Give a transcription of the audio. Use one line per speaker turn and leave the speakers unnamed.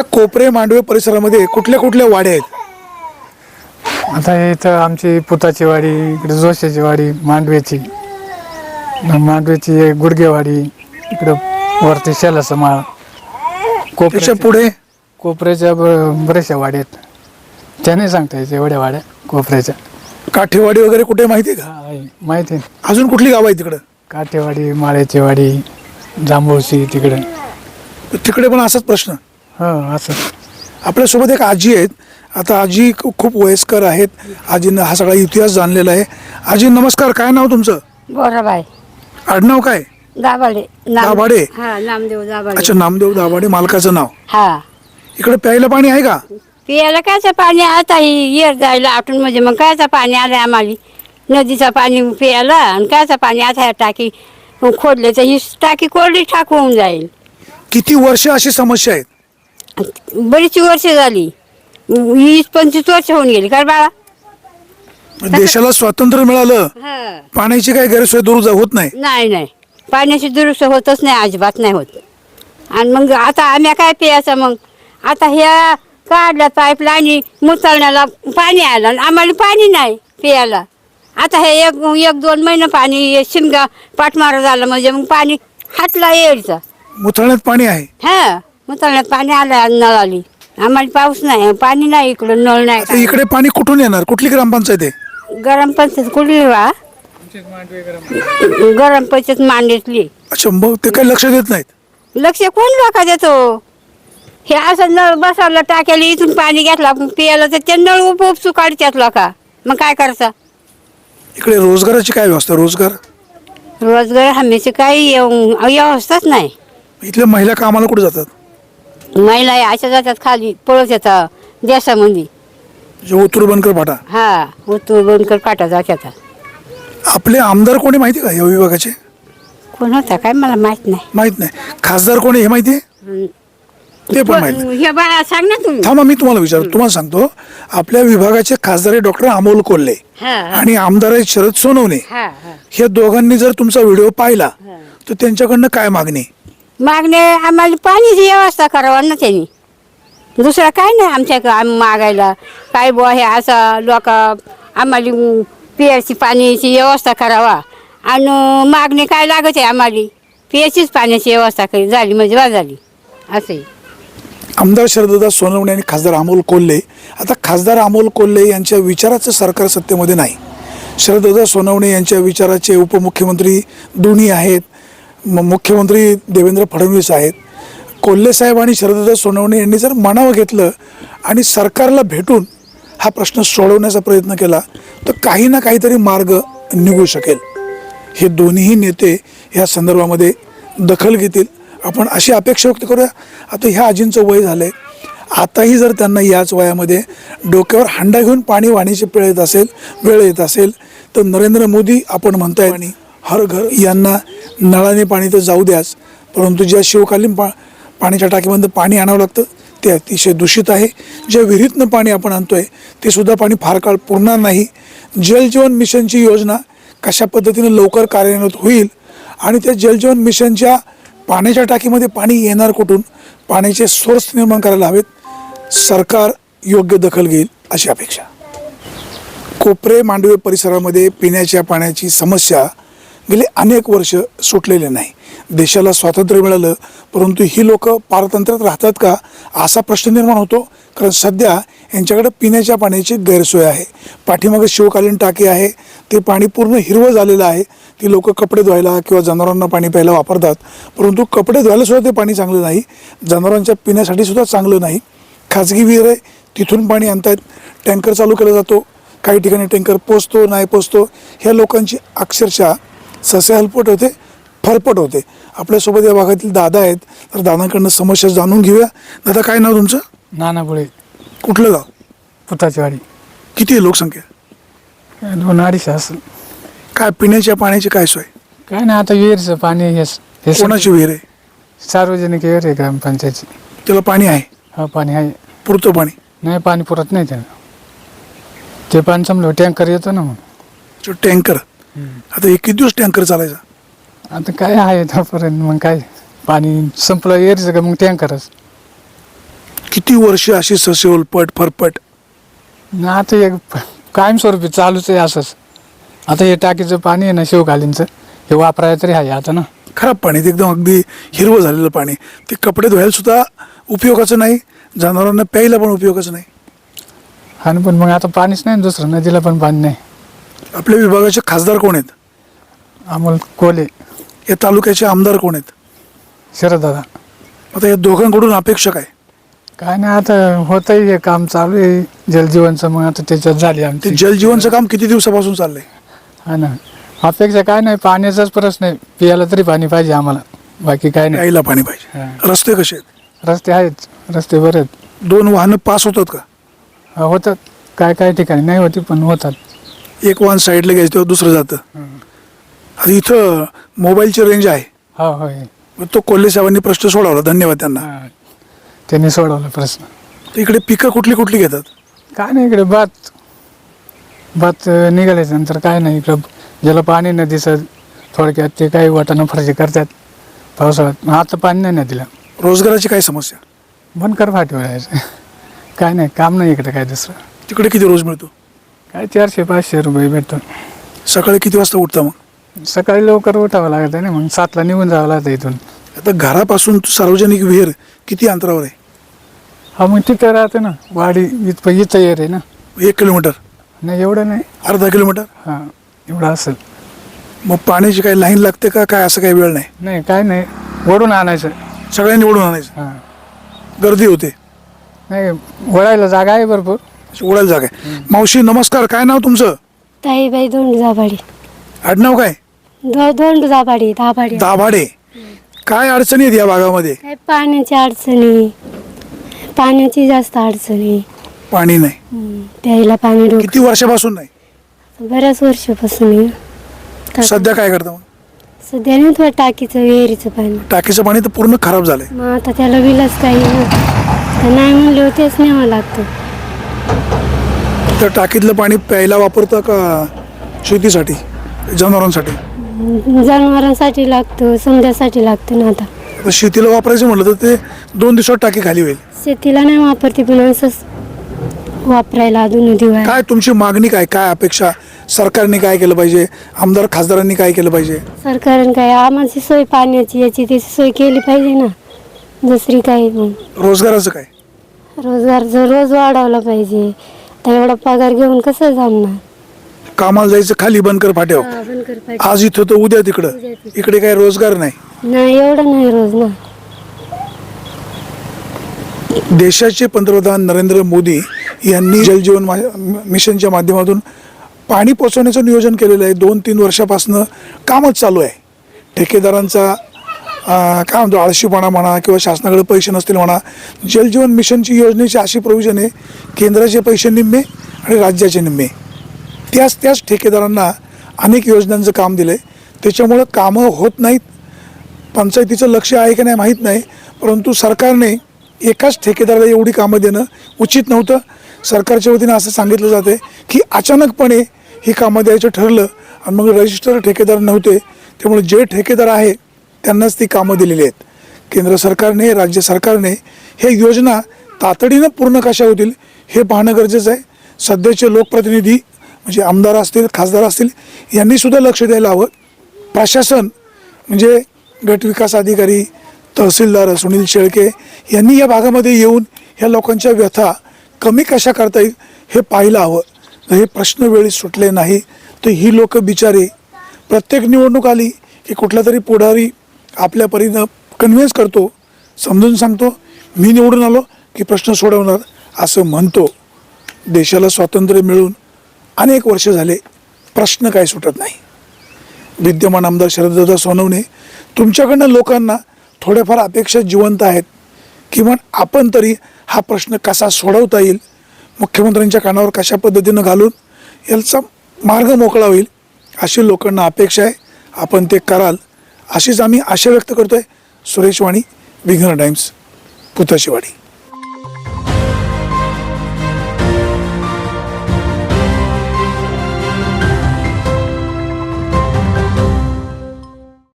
कोपरे मांडवे परिसरामध्ये कुठल्या कुठल्या वाड्या आहेत?
आता इथं आमची पुताची वाडी, इकडे जोशाची वाडी, मांडव्याची गुडगेवाडी, इकडं वरती शेलाचं माळ,
त्याच्या पुढे
कोपऱ्याच्या बऱ्याचशा वाड्या आहेत. त्या नाही सांगता यायच्या एवढ्या वाड्या कोपऱ्याच्या.
काठेवाडी वगैरे कुठे माहिती आहे का?
आहे, माहिती आहे.
अजून कुठली गाव आहे तिकडं?
काठेवाडी, माळ्याची वाडी, जांभूळशी तिकडे.
तिकडे पण असाच प्रश्न.
हो असं.
आपल्यासोबत एक आजी आहेत. आता आजी खूप वयस्कर आहेत. आजीनं हा सगळा इतिहास जाणलेला आहे. आजी नमस्कार, काय नाव तुमचं?
बोराबाई
आडनाव काय?
दाभाडे.
दाभाडे?
हा, नामदेव दाभाडे.
अच्छा, नामदेव दाभाडे मालकाचं नाव.
हा,
इकडे प्यायला पाणी आहे का?
पियाला कायचं पाणी आता ही येर जायला आटून म्हणजे मग कायचं पाणी आलंय आम्हाला. नदीचं पाणी पियाला आणि कायचं पाणी आता ह्या टाकी खोदले तर ही टाकी कोरडी ठाक होऊन जाईल.
किती वर्ष अशी समस्या आहेत?
बरीच वर्ष झाली, 20-25 वर्ष होऊन गेली. काय बाळा?
देशाला स्वातंत्र्य मिळालं, पाण्याची काही गैरसोय दूर होत नाही.
नाही, पाण्याची दुरुस्त होतच नाही, अजिबात नाही होत. आणि मग आता आम्ही काय प्यायचं? मग आता ह्या काढल्या पाईपलाईन मुचाळण्याला पाणी आलं आणि आम्हाला पाणी नाही प्यायला. आता हे एक 2 महिने पाणी शिमगा पाठमारा झालं म्हणजे मग पाणी हातला यायचं.
मुथळण्यात पाणी आहे?
हा, मुचाळण्यात पाणी आलं, नळ आली. आम्हाला पाऊस नाही, पाणी नाही, इकडं नळ नाही.
आता इकडे पाणी कुठून येणार? कुठली ग्रामपंचायत आहे?
गरम पंचायत कुठली वा? गरम पंचायत मांडीतली.
अच्छा, मग ते काही लक्ष देत नाहीत?
लक्ष कोण लोका देतो? हे असं नळ बसवलं टाक्याला, इथून पाणी घेतला पियाला तर ते नळ उपसू काढतात लोका. मग काय करायचं?
इकडे रोजगाराची काय व्यवस्था?
रोजगार हमीची काही व्यवस्थाच नाही.
इथल्या महिला कामाला कुठे जातात?
महिला अशा जातात खाली, पळत येतात देशामध्ये.
जे ओतूर बनकर फाटा.
हा, उतू बनकर काटा जातात.
आपले आमदार कोणी माहिती का या विभागाचे?
कोण होता काय मला माहित नाही.
माहित नाही. खासदार कोणी हे माहिती आहे? ते पण माहित नाही.
हे बाळा सांग ना तुम्ही.
थांबा, मी तुम्हाला विचारतो. तुम्हाला सांगतो, आपल्या विभागाचे खासदार आहे डॉक्टर अमोल कोल्हे आणि आमदार आहेत शरद सोनवणे. हे दोघांनी जर तुमचा व्हिडिओ पाहिला तर त्यांच्याकडनं काय मागणी?
मागणे आम्हाला पाणीची व्यवस्था करावा ना त्यांनी. दुसरं काय नाही आमच्या मागायला. काय बुवा हे असं लोक आम्हाला पियाची पाण्याची व्यवस्था करावा. आणि मागणी काय लागत आहे आम्हाला? पियाचीच पाण्याची व्यवस्था झाली म्हणजे बा झाली असे.
आमदार शरददादा सोनवणे आणि खासदार अमोल कोल्हे. आता खासदार अमोल कोल्हे यांच्या विचाराचं सरकार सत्तेमध्ये नाही. शरददादा सोनवणे यांच्या विचाराचे उपमुख्यमंत्री दोन्ही आहेत. मुख्यमंत्री देवेंद्र फडणवीस आहेत. कोल्हे साहेब आणि शरददादा सोनवणे यांनी जर मनावं घेतलं आणि सरकारला भेटून हा प्रश्न सोडवण्याचा प्रयत्न केला तर काही ना काहीतरी मार्ग निघू शकेल. हे दोन्ही नेते या संदर्भामध्ये दखल घेतील, आपण अशी अपेक्षा व्यक्त करूया. आता ह्या आजींचं वय झालं आहे. आताही जर त्यांना याच वयामध्ये डोक्यावर हांडा घेऊन पाणी वाणीची वेळ येत असेल तर नरेंद्र मोदी आपण म्हणताय आणि हर घर यांना नळाने पाणी तर जाऊ द्याच, परंतु ज्या शिवकालीन पाण्याच्या टाकीमध्ये पाणी आणावं लागतं ते अतिशय दूषित आहे. ज्या विहिरीतनं पाणी आपण आणतोय ते सुद्धा पाणी फार काळ पुरणार नाही. जलजीवन मिशनची योजना कशा पद्धतीने लवकर कार्यान्वित होईल आणि त्या जलजीवन मिशनच्या पाण्याच्या टाकीमध्ये पाणी येणार कुठून, पाण्याचे सोर्स निर्माण करायला हवेत. सरकार योग्य दखल घेईल अशी अपेक्षा. कोपरे मांडवे परिसरामध्ये पिण्याच्या पाण्याची समस्या गेले अनेक वर्ष सुटलेले नाही. देशाला स्वातंत्र्य मिळालं परंतु ही लोक पारतंत्र्यात राहतात का असा प्रश्न निर्माण होतो. कारण सध्या यांच्याकडे पिण्याच्या पाण्याची गैरसोय आहे. पाठीमागे शिवकालीन टाकी आहे, ते पाणी पूर्ण हिरवं झालेलं आहे. ती लोक कपडे धुवायला किंवा जनावरांना पाणी प्यायला वापरतात, परंतु कपडे धुवायला सुद्धा ते पाणी चांगलं नाही, जनावरांच्या पिण्यासाठी सुद्धा चांगलं नाही. खाजगी विहीर आहे, तिथून पाणी आणतायत, टँकर चालू केला जातो, काही ठिकाणी टँकर पोचतो नाही पोचतो. ह्या लोकांची अक्षरशः ससे हलपट होते, फरफट होते. आपल्यासोबत या भागातील दादा आहेत, तर दादांकडनं समस्या जाणून घेऊया. दादा, काय नाव तुमचं?
नाना बुळे.
कुठलं गाव?
पुताची वाडी.
किती आहे लोकसंख्या?
2-2.5 असेल.
काय पिण्याच्या पाण्याची काय सोय?
काय नाही, आता विहीरचं पाणी हे
कोणाची विहीर आहे?
सार्वजनिक विहीर आहे ग्रामपंचायतची.
त्याला पाणी आहे?
हा, पाणी आहे.
पुरतं पाणी?
नाही, पाणी पुरत नाही त्यानं. ते पाणी संपलं टँकर येतो ना मग.
टँकर? आता एक किती दिवस टँकर चालायचा?
आता काय आहे तोपर्यंत, मग काय पाणी संपलं यायचं का मग टँकरच.
किती वर्ष अशी ससेवल पट फरपट?
ना आता एक कायमस्वरूपी चालूच आहे असंच. आता हे टाकीचं पाणी आहे ना शिवकालीनचं, हे वापरायचं तरी आहे आता ना.
खराब पाणी, ते एकदम अगदी हिरवं झालेलं पाणी, ते कपडे धुवायला सुद्धा उपयोगाचं नाही, जनावरांना प्यायला पण उपयोगाचं नाही.
आणि पण मग आता पाणीच नाही ना दुसरं, नदीला पण पाणी नाही.
आपल्या विभागाचे खासदार कोण आहेत?
अमोल कोले,
या तालुक्याचे आमदार कोण आहेत?
शरददादा.
आता या दोघांकडून अपेक्षा काय?
काय नाही, आता होतंय हे काम चालू आहे जलजीवनचं, मग आता त्याच्यात झाली
ते
आमची.
जलजीवनचं काम किती दिवसापासून चाललंय?
हा ना, अपेक्षा काय नाही, पाण्याचाच प्रश्न आहे, पियाला तरी पाणी पाहिजे आम्हाला, बाकी काय नाही.
प्यायला पाणी पाहिजे.
हा.
रस्ते कसे आहेत?
रस्ते आहेत, रस्ते बरे आहेत.
2 वाहनं पास होतात का?
हा, होतात, काय काय ठिकाणी नाही होती पण होतात.
एक वाहन साईडला घ्यायचं तेव्हा दुसरं जातं. आता इथं मोबाईलची रेंज आहे,
हा होय.
मग तो कोल्हे साहेबांनी प्रश्न सोडवला, धन्यवाद त्यांना.
हा, त्यांनी सोडवला प्रश्न.
तर इकडे पिकं कुठली कुठली घेतात?
काय नाही इकडे भात निघाल्याच्या नंतर काय नाही, इकडं ज्याला पाणी नाही दिसत थोडक्यात ते काही वाटाणा फरशी करतात पावसाळ्यात. आता पाणी नाही नदीला.
रोजगाराची काय समस्या?
बनकर फाटीवर यायचं. काय नाही, काम नाही इकडे काय दुसरं.
तिकडे किती रोज मिळतो?
काय 400-500 रुपये भेटतो.
सकाळी किती वाजता उठता मग?
सकाळी लवकर उठावं लागत आहे ना, मग 7ला निघून जावं लागतं इथून.
आता घरापासून सार्वजनिक विहीर किती अंतरावर आहे?
हा, मग तिथं राहते ना वाडी, इथं येर आहे ना.
1 किलोमीटर?
नाही एवढं नाही.
अर्धा किलोमीटर?
हां, एवढं असेल.
मग पाण्याची काही लाईन लागते का, काय असं काही वेळ नाही?
नाही काय नाही, ओढून आणायचं.
सगळ्यांनी ओढून आणायचं?
हां,
गर्दी होते?
नाही ओढायला जागा आहे भरपूर.
ओढायला जागा आहे. मावशी नमस्कार, काय नाव तुमचं?
ताईबाई दोंडुजाबाडी.
आडनाव काय?
दोंडुजाबाडी, दाभाडी.
दाभाडे. काय अडचणी आहेत या भागामध्ये?
काय पाण्याची अडचणी, पाण्याची जास्त अडचणी.
पाणी नाही.
प्यायला पाणी
किती वर्षापासून नाही?
बऱ्याच वर्षापासून आहे.
सध्या काय करता मग?
सध्या नाही थोडं टाकीचं विहिरीचं पाणी.
टाकीचं पाणी तर पूर्ण खराब झालंय.
मग आता त्याला विलच काही ना, तर नाही म्हणले तेच न्यावं लागतं.
तर टाकीतलं पाणी प्यायला वापरता का शेतीसाठी, जनावरांसाठी?
जनावरांसाठी लागतं, समजासाठी लागतं ना. आता
शेतीला वापरायचं म्हटलं तर ते 2 दिवसात टाकी खाली होईल.
शेतीला नाही वापरते, पण असंच वापरायला अजून दिवाळी.
काय तुमची मागणी, काय काय अपेक्षा? सरकारने काय केलं पाहिजे? आमदार खासदारांनी काय केलं पाहिजे?
सरकारने काय आम्हाला सोय पाण्याची याची त्याची सोय केली पाहिजे ना, दुसरी काही. मग
रोजगाराचं काय?
रोजगार जर रोज वाढवला पाहिजे, तर एवढा पगार घेऊन कसं जमणार?
कामाला जायचं खाली बनकर फाट्यावर,
बनकर पाहिजे.
आज इथं तर उद्या तिकडं.
उद्या तिकडं.
इकडे काय रोजगार नाही.
नाही एवढं नाही रोज ना.
देशाचे पंतप्रधान नरेंद्र मोदी यांनी जलजीवन मिशनच्या माध्यमातून पाणी पोचवण्याचं नियोजन केलेलं आहे. 2-3 वर्षापासून कामच चालू आहे. ठेकेदारांचा काय म्हणतो आळशीपणा म्हणा किंवा शासनाकडे पैसे नसतील म्हणा. जलजीवन मिशनची योजनेची अशी प्रोव्हिजन आहे, केंद्राचे पैसे निम्मे आणि राज्याचे निम्मे. त्याच ठेकेदारांना अनेक योजनांचं काम दिलं आहे. त्याच्यामुळं कामं होत नाहीत. पंचायतीचं लक्ष आहे की नाही माहीत नाही, परंतु सरकारने एकाच ठेकेदाराला एवढी कामं देणं उचित नव्हतं. सरकारच्या वतीनं असं सांगितलं जाते की अचानकपणे ही कामं द्यायचं ठरलं आणि मग रजिस्टर ठेकेदार नव्हते, त्यामुळे जे ठेकेदार आहे त्यांनाच ती कामं दिलेली आहेत. केंद्र सरकारने, राज्य सरकारने हे योजना तातडीनं पूर्ण कशा होतील हे पाहणं गरजेचं आहे. सध्याचे लोकप्रतिनिधी म्हणजे आमदार असतील, खासदार असतील, यांनीसुद्धा लक्ष द्यायला हवं. प्रशासन म्हणजे गटविकास अधिकारी, तहसीलदार सुनील शेळके यांनी या भागामध्ये येऊन ह्या लोकांच्या व्यथा कमी कशा करता येईल हे पाहायला हवं. जर हे प्रश्न वेळी सुटले नाही तर ही लोक बिचारे प्रत्येक निवडणूक आली की कुठला तरी पुढारी आपल्या परीनं कन्व्हिन्स करतो, समजून सांगतो मी निवडून आलो की प्रश्न सोडवणार असं म्हणतो. देशाला स्वातंत्र्य मिळून अनेक वर्ष झाले, प्रश्न काय सुटत नाही. विद्यमान आमदार शरददादा सोनवणे, तुमच्याकडनं लोकांना थोड्याफार अपेक्षा जिवंत आहेत. किमान आपण तरी हा प्रश्न कसा सोडवता येईल, मुख्यमंत्र्यांच्या कानावर कशा पद्धतीनं घालून याचा मार्ग मोकळा होईल अशी लोकांना अपेक्षा आहे. आपण ते कराल अशीच आम्ही आशा व्यक्त करतो आहे. सुरेश वाणी, विघ्न टाइम्स, पुताचीवाडी.